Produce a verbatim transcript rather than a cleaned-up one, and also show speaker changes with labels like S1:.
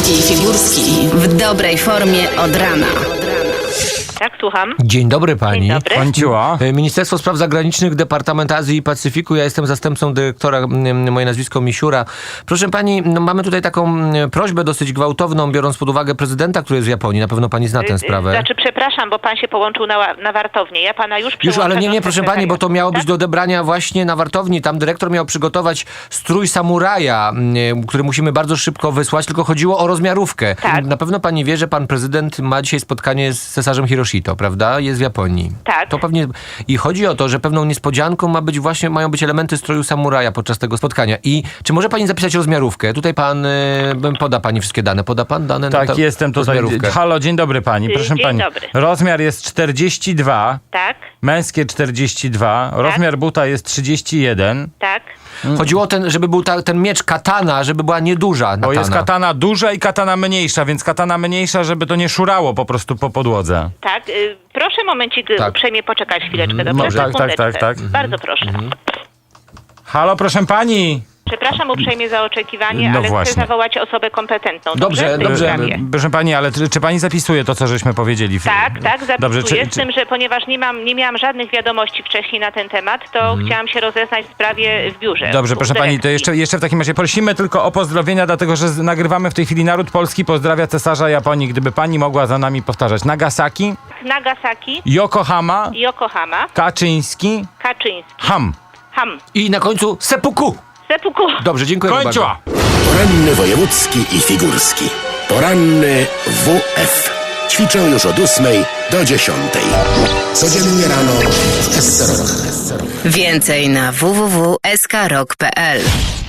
S1: Wojewódzki i Figurski w dobrej formie od rana.
S2: Tak, słucham.
S3: Dzień dobry pani.
S2: Dzień dobry.
S4: Kończyła.
S3: Ministerstwo Spraw Zagranicznych, Departament Azji i Pacyfiku. Ja jestem zastępcą dyrektora, m, moje nazwisko Misiura. Proszę pani, no mamy tutaj taką m, prośbę dosyć gwałtowną, biorąc pod uwagę prezydenta, który jest w Japonii. Na pewno pani zna tę sprawę.
S2: Znaczy, przepraszam, bo pan się połączył na, na wartownię. Ja pana już
S3: Już,
S2: przełączam
S3: ale nie, nie,
S2: do
S3: proszę pani, bo to miało być
S2: tak?
S3: do odebrania właśnie na wartowni. Tam dyrektor miał przygotować strój samuraja, m, który musimy bardzo szybko wysłać, tylko chodziło o rozmiarówkę.
S2: Tak.
S3: Na pewno pani wie, że pan prezydent ma dzisiaj spotkanie z cesarzem Hiroshito, prawda? Jest w Japonii.
S2: Tak.
S3: To pewnie i chodzi o to, że pewną niespodzianką ma być właśnie, mają być elementy stroju samuraja podczas tego spotkania. I czy może pani zapisać rozmiarówkę? Tutaj pan, y, poda pani wszystkie dane. Poda pan dane na
S4: Tak,
S3: tę
S4: jestem tutaj.
S3: rozmiarówkę?
S4: Halo, dzień dobry pani.
S2: Dzień
S4: Proszę pani.
S2: dobry.
S4: Rozmiar jest czterdzieści dwa,
S2: Tak,
S4: męskie czterdzieści dwa, rozmiar buta jest trzydzieści jeden.
S2: tak.
S3: Chodziło o ten, żeby był ta, ten miecz katana, żeby była nieduża katana.
S4: Bo jest katana duża i katana mniejsza, więc katana mniejsza, żeby to nie szurało po prostu po podłodze.
S2: Tak, y, proszę momencik
S3: Tak.
S2: tak. uprzejmie poczekać chwileczkę, dobrze?
S4: Może- tak, tak,
S2: Sekundeczkę.
S4: tak, tak.
S2: Bardzo proszę.
S4: Halo, proszę pani.
S2: Przepraszam uprzejmie za oczekiwanie,
S4: No
S2: ale
S4: właśnie.
S2: chcę zawołać osobę kompetentną.
S3: Dobrze,
S2: w tej
S3: dobrze.
S2: sprawie?
S4: Proszę pani, ale czy, czy pani zapisuje to, co żeśmy powiedzieli?
S2: Tak, tak, zapisuję.
S4: Dobrze, czy,
S2: Z tym, że ponieważ nie, mam, nie miałam żadnych wiadomości wcześniej na ten temat, to chciałam się rozeznać w sprawie w biurze.
S4: Dobrze,
S2: u
S4: proszę pani, to
S2: dyrekcji.
S4: jeszcze, jeszcze w takim razie prosimy tylko o pozdrowienia, dlatego że z- nagrywamy w tej chwili Naród Polski pozdrawia cesarza Japonii. Gdyby pani mogła za nami powtarzać. Nagasaki,
S2: Nagasaki,
S4: Yokohama,
S2: Yokohama,
S4: Kaczyński,
S2: Kaczyński,
S4: Ham.
S2: Ham,
S3: I na końcu seppuku.
S2: Seppuku.
S3: Dobrze, dziękuję bardzo.
S4: Kończyła!
S5: Poranny wojewódzki i figurski. Poranny W F. Ćwiczę już od ósmej do dziesiątej. Codziennie rano w S C R O K.
S1: Więcej na w w w kropka s k rock kropka p l.